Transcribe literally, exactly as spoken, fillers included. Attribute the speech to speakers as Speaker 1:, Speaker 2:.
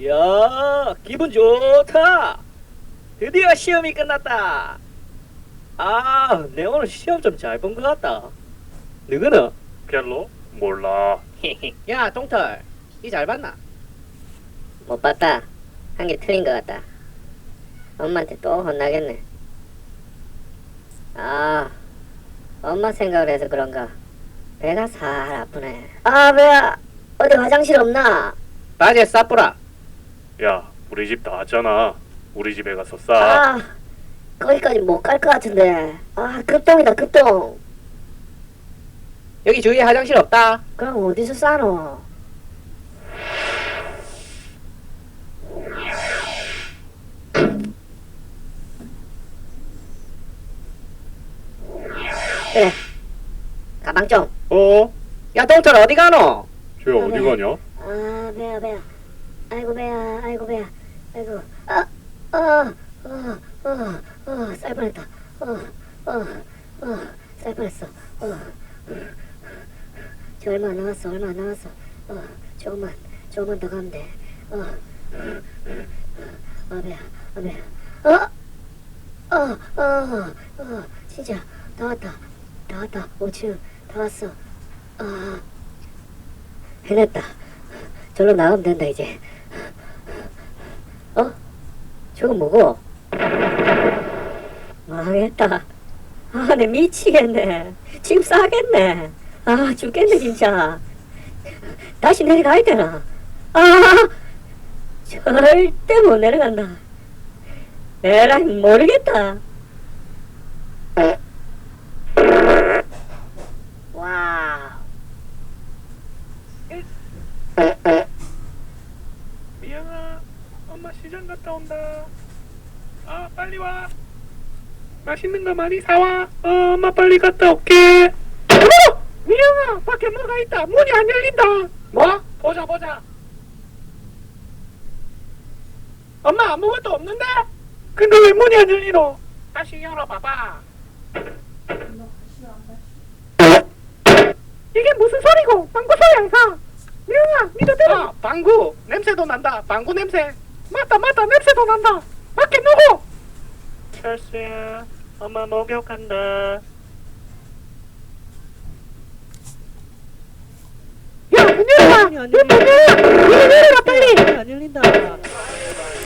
Speaker 1: 야, 기분 좋다. 드디어 시험이 끝났다. 아, 내 오늘 시험 좀 잘 본 것 같다. 누구는?
Speaker 2: 별로? 몰라.
Speaker 1: 야, 동털, 이 잘 봤나?
Speaker 3: 못 봤다. 한 개 틀린 것 같다. 엄마한테 또 혼나겠네. 아, 엄마 생각을 해서 그런가. 배가 살 아프네. 아, 배야. 어디 화장실 없나?
Speaker 1: 바지에 싸뿌라.
Speaker 2: 야, 우리 집 나왔잖아. 우리 집에 가서 싸.
Speaker 3: 아, 거기까지 못 갈 것 같은데. 아, 급동이다, 급동.
Speaker 1: 여기 주위에 화장실 없다.
Speaker 3: 그럼 어디서 싸노? 그래. 가방 좀.
Speaker 1: 어? 야, 동털 어디 가노?
Speaker 2: 쟤 어디 가냐?
Speaker 3: 아, 배야, 배야. 아이고, 배야, 아이고, 배야. 아이고, 아, 아, 어, 어, 어, 쌀 뻔했다. 어, 어, 어, 쌀 뻔했어. 어. 저 얼마 안 남았어, 얼마 안 남았어. 어, 조금만, 조금만 더 가면 돼. 어, 어, 배야, 어, 배야. 어, 어, 어, 어, 진짜, 다 왔다. 다 왔다. 오 층, 다 왔어. 아, 해냈다. 저로 나가면 된다, 이제. 어? 저거 뭐고? 망했다. 아, 내 미치겠네. 지금 싸겠네. 아, 죽겠네, 진짜. 다시 내려가야 되나? 아, 절대 못 내려간다. 에라이, 모르겠다. 와우.
Speaker 2: 미영아, 엄마 시장 갔다 온다. 아, 빨리 와. 맛있는 거 많이 사와. 어, 엄마 빨리 갔다 올게. 어! 미영아, 밖에 뭐가 있다. 문이 안 열린다. 뭐? 보자, 보자. 엄마, 아무것도 없는데? 근데 왜 문이 안 열리노? 다시 열어봐봐. 이게 무슨 소리고? 방구 소리 항상. 미영아, 니도 들어. 아, 방구. 냄새도 난다. 방구 냄새. 맞다, 맞다. 냄새도 난다. 밖에 누구? 철수야, 엄마 목욕한다. 야, 문 열어봐.
Speaker 1: 문이 안
Speaker 2: 문
Speaker 1: 열린다.
Speaker 2: 열어. 문 열어라, 빨리.
Speaker 1: 문이 안 열린다.